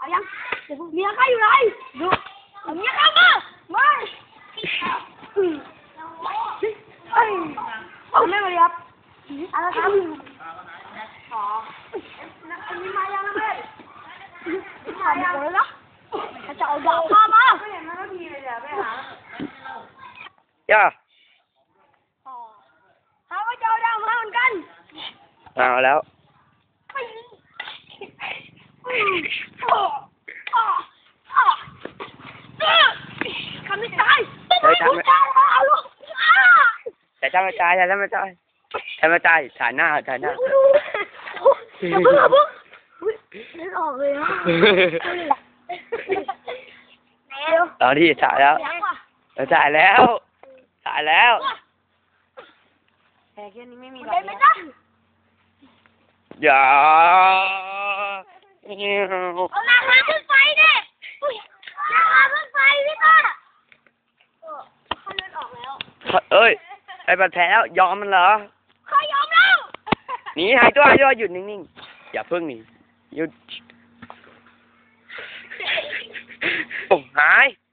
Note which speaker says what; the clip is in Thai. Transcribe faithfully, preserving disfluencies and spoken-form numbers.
Speaker 1: ยังเดี๋ยวเมียข้าอยู่ไหนดูเมียข้ามาไม่เฮ้ยเอาไม่มาเลยครับอะไรครับขออันนี้มายังนะเพื่อนมายังเลยนะจะเอาดาบข้ามาไม่เห็นมันก็ทีเลยเดี๋ยวไปหา
Speaker 2: ย่า
Speaker 1: เขาก็จะเอาดาบมาเหมือนกัน
Speaker 2: เอาแล้ว
Speaker 1: คำนี้ตายไม่ตายเอาลูก
Speaker 2: แต่ถ้าไม่ตายแต่ถ้าไม่ตายถ้าไม่ตายถ่ายหน้าถ่ายหน้า
Speaker 1: อย่าเพิ่งอย่าเพิ่งเล่นออกเลยนะ
Speaker 2: ตอนที่ถ่ายแล้วถ่ายแล้วถ่ายแล้ว
Speaker 1: แต่แค่นี้ไม่มีอะไรนะ
Speaker 2: อย่า
Speaker 1: เอาหน้ามาขึ้นไฟดิหน้ามาขึ้นไฟพี่ต้าเขาเล่นออกแล้ว
Speaker 2: เอ้ยไอ้บาดแผลแล้วยอมมันเหรอ
Speaker 1: เขายอมแล้ว
Speaker 2: หนีหายตัวหายตัวหยุดนิ่งๆอย่าเพิ่งหนีหยุดโอ้หาย